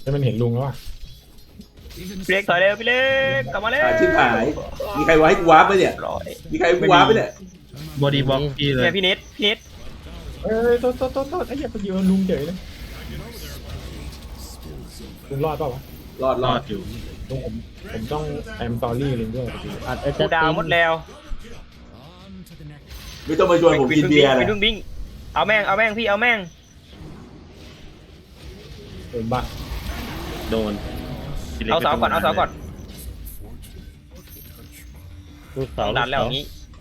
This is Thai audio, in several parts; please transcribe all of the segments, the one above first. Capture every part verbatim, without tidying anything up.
ให้มันเห็นลุงแล้วอ่ะพี่เล็กถอยเร็วพี่เล็กกลับมาเร็วหาชิบหาย มีใครวาให้กูวาร์ปไหมเนี่ยร้อยมีใครให้กูวาร์ปไหมเนี่ยบอดี้บล็อกพี่เลยเนี่ยพี่เน็ตพี่เน็ตเอ้ยโทษโทษโทษโทษไอ้เหี้ยไปยืนลุงเฉยเลยลุงรอดเปล่าวะรอดรรออดดอยู่ลุงผมผมต้องแอมตอรี่ลุงด้วยพี่อาจจะกูดาวหมดแล้วไม่ต้องมาชวนผมกินเบียร์เลยวิ่งวิ่งเอาแม่งเอาแม่งพี่เอาแม่งโดนบ้าโดนพี่ล็เอาเสาก่อนเอาเสาก่อนลูกต้เสาองดันแล้วอย่างนี้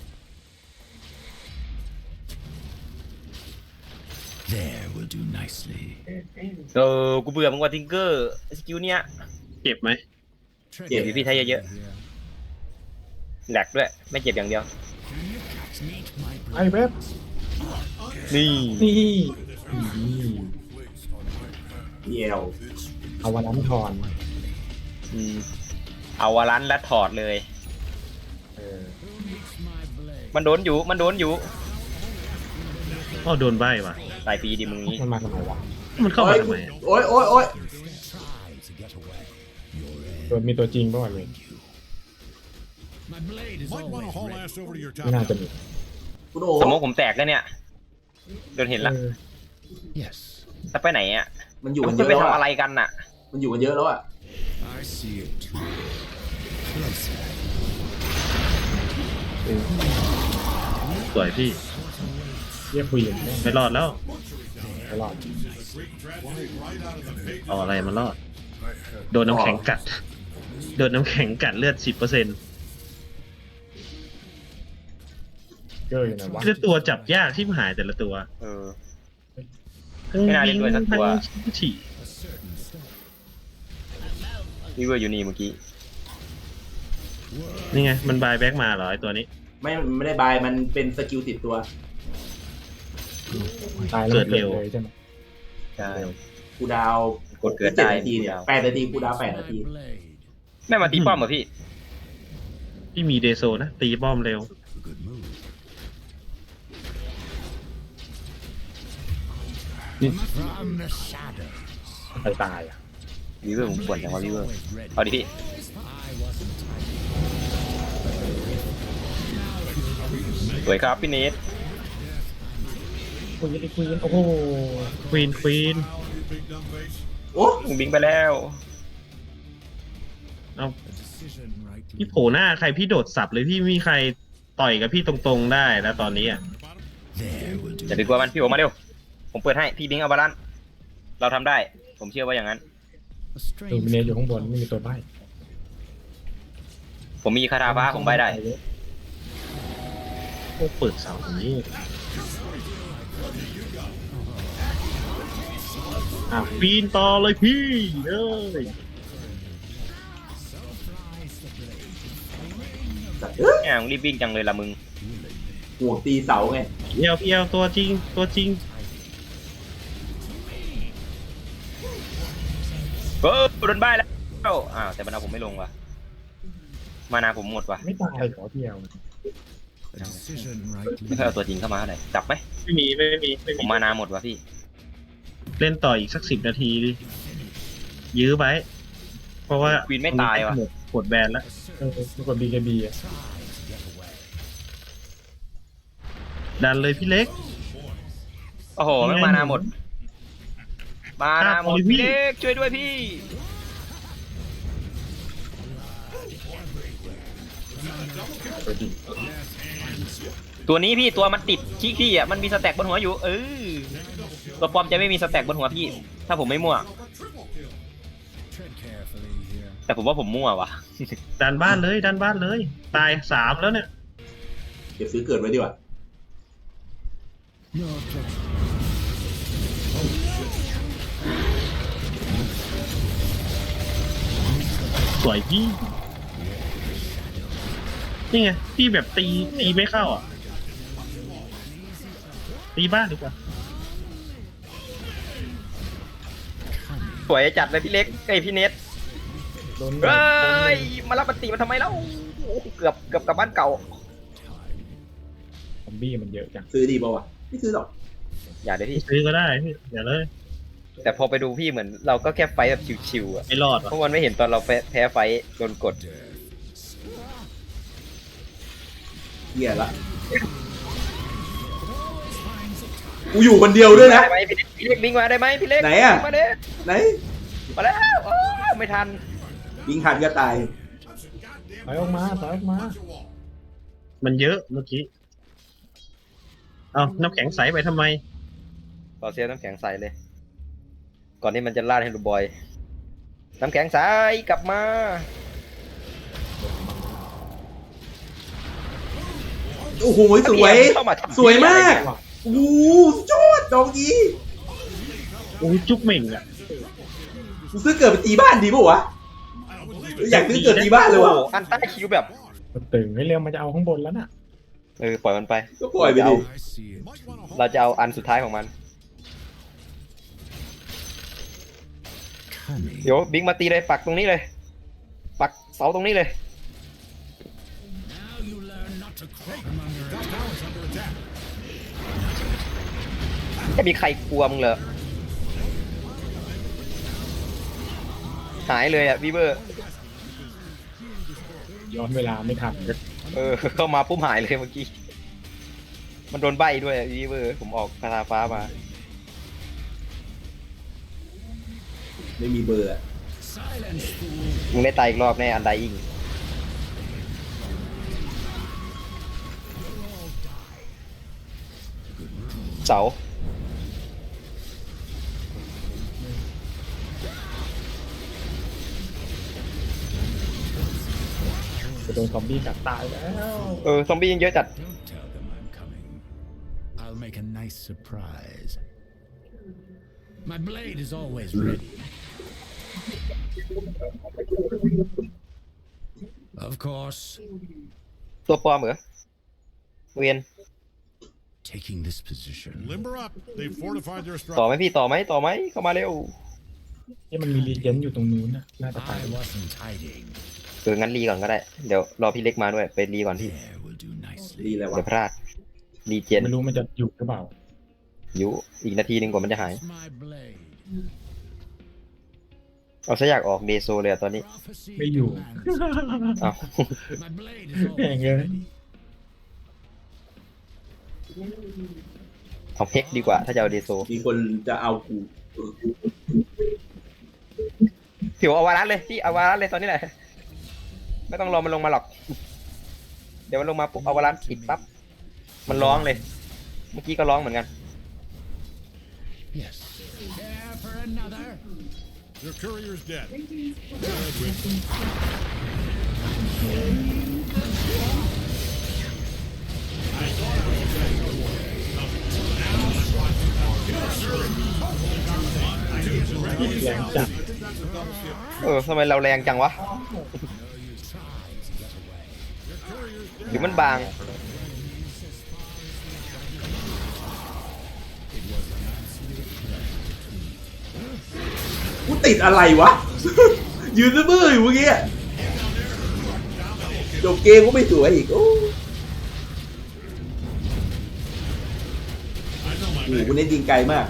There will do nicely. เออกูเบื่อมึงว่าทิงเกอร์สกิลเนี้ยเจ็บไหมเจ็บอยู่พี่ไทยเยอะๆแหลกด้วยไม่เจ็บอย่างเดียวไอ้เว็บนี่นี่เดียวเอาวันนั้นทอนอืมเอาวารันและถอดเลยเออมันโดนอยู่มันโดนอยู่อ๋อโดนใบว่ะตายปีดิมึงนี้มันมาทำไมวะมันเข้าโอ้มาย ทำไมอะโอ้ยโอ้ยโอ้ยโดนมีตัวจริงป่ะวะเลย Might want to haul ass over to your ไม่น่า top. จะมีคุณโอ้สมมติผมแตกแล้วเนี่ยโดนเห็นละเออ Yes, ถ้าไปไหนอ่ะมันอยู่มักันนเยจะอะไปแล้วทำอะอะไรกันน่ะมันอยู่กันเยอะแล้วอะ I see it too. Closer. สวยพี่เรียกคุยกันแม่งไม่รอดแล้วไม่รอดเอาอะไรมารอด โดนน้ำแข็งกัด โดนน้ำแข็งกัดเลือดสิบเปอร์เซ็นต์เกอร์อยู่ไหนวะคือตัวจับยากที่หายแต่ละตัวเออ ไม่น่าเล่นด้วยสักตัวทั้งฉี่พี่เวอร์อยู่นี่เมื่อกี้นี่ไง มันบายแบ็กมาเหรอไอตัวนี้ไม่มันไม่ได้บายมันเป็นสกิลติดตัวตายแล้วมันเกิดเลยใช่ไหมใช่กูดาวกดเกิดเจ็ดได้นาทีเนี่ยแปดนาทีกูดาวแปดนาทีแม่มาตีป้อมเหรอพี่ที่มีเดโซนะ ตีป้อมเร็ว Good move. ใครตายอ่ะวิเวอร์ผมปวดอย่างว่าวิเวอร์เอาดิพี่สวยครับพี่เนทคุยกันคุยกันโอ้โหควีนควีนโอ้มึงบิงไปแล้วเอาพี่โผล่หน้าใครพี่โดดสับเลยพี่มีใครต่อยกับพี่ตรงๆได้แล้วตอนนี้อ่ะ There will do. อย่าไปกลัวมันพี่โอมาเร็วผมเปิดให้พี่บิงเอาบาลานซ์เราทำได้ผมเชื่อว่าอย่างนั้น A ดู strange มิเนยอยู่ข้างบนไม่มีตัวใบ้ผมมีคาถาฟ้าผมใบได้โอ้เปิดเสาอย่างนี้อ้าวปีนต่อเลยพี่เอ้ยสัตว์เอ้ยแง่มึงรีบวิ่งจังเลยละมึงห่วงตีเสาไงเอลเอลตัวจริงตัวจริงเออโดนใบแล้วอ้าวแต่มันเอาผมไม่ลงว่ะมานาผมหมดว่ะไม่ตายขอเที่ยว a decision ไม่ rightly เคยเอาตัวจริงเข้ามาเลยจับไหมไม่มีไม่มีไม่ผมีมมานาหมดว่ะพี่เล่นต่ออีกสักสิบนาทีดิยื้อไว้เพราะว่าควีนไม่ตายว่ะหมดหมดแบนแล้วเออปรากฏบีเคบีอ่ะดันเลยพี่เล็กโอ้โหไม่มานาหมด มานาหมดพี่เล็กช่วยด้วยพี่ ตัวนี้พี่ตัวมันติดขี้ขี้อ่ะมันมีสแต็กบนหัวอยู่เออตัวปลอมจะไม่มีสแต็กบนหัวพี่ ถ้าผมไม่มั่ว tread carefully here. แต่ผมว่าผมมั่วว่ะดันบ้านเลยดันบ้านเลย ตายสามแล้วเนี่ยเก็บซื้อเกิดไว้ดีกว่า Your objection. สวยพี่นี่ไงพี่แบบตีตีไม่เข้าอ่ะ ตีบ้านดีกว่าสวยจัดเลยพี่เล็กไอยพี่เน็ตโดนเฮ้ยมารับปฏิมาทำไมแล้วโอ้โหเกือบเกือบกลับบ้านเก่าซอมบี้มันเยอะจังซื้อดีป่าวะไม่ซื้อหรอกอย่าเดี๋ยวพี่ซื้อก็ได้พี่อย่าเลยแต่พอไปดูพี่เหมือนเราก็แค่ไฟท์แบบชิวๆอ่ะไม่รอดเพวะราะมันไม่เห็นตอนเราแพ้แพ้ไฟท์โดนกดเหี้ยละกูอยู่คนเดียวด้วยนะได้ไหมพี่เล็กพี่เล็กบิงมาได้ไหมพี่เล็กไหนอะมาเด้ไหนมาแล้วโอ้ไม่ทันยิงหันก็ตายถอยออกมาถอยออกมามันเยอะเมื่อกี้เอาน้ำแข็งใสไปทำไมต่อเสียน้ำแข็งใสเลย ก่อนที่มันจะลาดให้ลูกบอย น้ำแข็งใสกลับมาโอ้โหสวยเข้ามาทำสวยมากอะไรเนี่ยโอ้โหสุดยอดดอกนี้โอ้ยจุกเหม่งอ่ะกูซื้อเกิดไปตีบ้านดีป่าวะอยากซื้อเกิดตีบ้านเลยโอ้วะโหอันใต้คิวแบบมันตึงให้เร็วมันจะเอาข้างบนแล้วน่ะเออปล่อยมันไปก็ปล่อยไปดิ I see it. เราจะเอาอันสุดท้ายของมัน Cunning. เดี๋ยวบิงมาตีเลยปักตรงนี้เลย ปักเสาตรงนี้เลย Now you learn not to crawl among your attack. จะมีใครกลัวมึงเหรอ หายเลยอ่ะวีเบอร์ย้อนเวลาไม่ทันเออ เข้ามาปุ๊บหายเลยเมื่อกี้ มันโดนใบด้วยวีเบอร์ ผมออกคาถาฟ้ามาไม่มีเบอร์อะ Silence, fool. มึงได้ตายอีกรอบแน่อันไดอิงเสาจะโดนซอมบี้กัดตายแล้วเออ ซอมบี้ยังเยอะจัด Don't tell them I'm coming. I'll make a nice surprise. My blade is always ready. Of course, ตัวปลอมเหรอ เวียน taking this position. Limber up. They've fortified their ต่อ structure. ไหมพี่ ต่อไหมต่อไหมเข้ามาเร็วนี่มันมีรีเจนอยู่ตรงนู้นนะน่าจะตาย I wasn't hiding. เอองั้นรีก่อนก็ได้ เดี๋ยวรอพี่เล็กมาด้วย ไปรีก่อนพี่ There will do nicely. ดีแล้ววะเดี๋ยวพลาด รีเจนไม่รู้มันจะอยู่หรือเปล่าอยู่อีกนาทีหนึ่งกว่ามันจะหาย It's my blade. เอาซะอยากออกเดโซเลยอะตอนนี้ Prophecy ไม่อยู่ demands เอา it. My blade is แข่ง always เลย ready. เอาเพ็กดีกว่า ถ้าจะเอาเดโซมีคนจะเอากูผิวเอาวารัสเลยพี่เอาวารัสเลยตอนนี้แหละ ไม่ต้องรอมันลงมาหรอก เดี๋ยวมันลงมาปุ๊บเอาวารัสปิดปั๊บ มันร้องเลย เมื่อกี้ก็ร้องเหมือนกัน Yes. Care for another? Their courier's dead. แรงจัดเออทำไมเราแรงจังวะ หรือมันบางกูติดอะไรวะ ยืนซื่อๆอยู่เมื่อกี้จบเกมก็ไม่สวยอีกโอ้โหกูเน้นยิงไกลมาก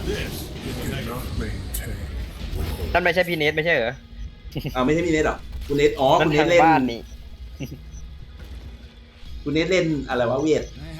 นั่นไม่ใช่พีเนสไม่ใช่เหรออ้าวไม่ใช่พี่เนทหรอกูเน้นอ๋อนั่กูนเน้ทาน งเล่นบ้านนี่กูเน้นเล่นอะไรวะเวียด I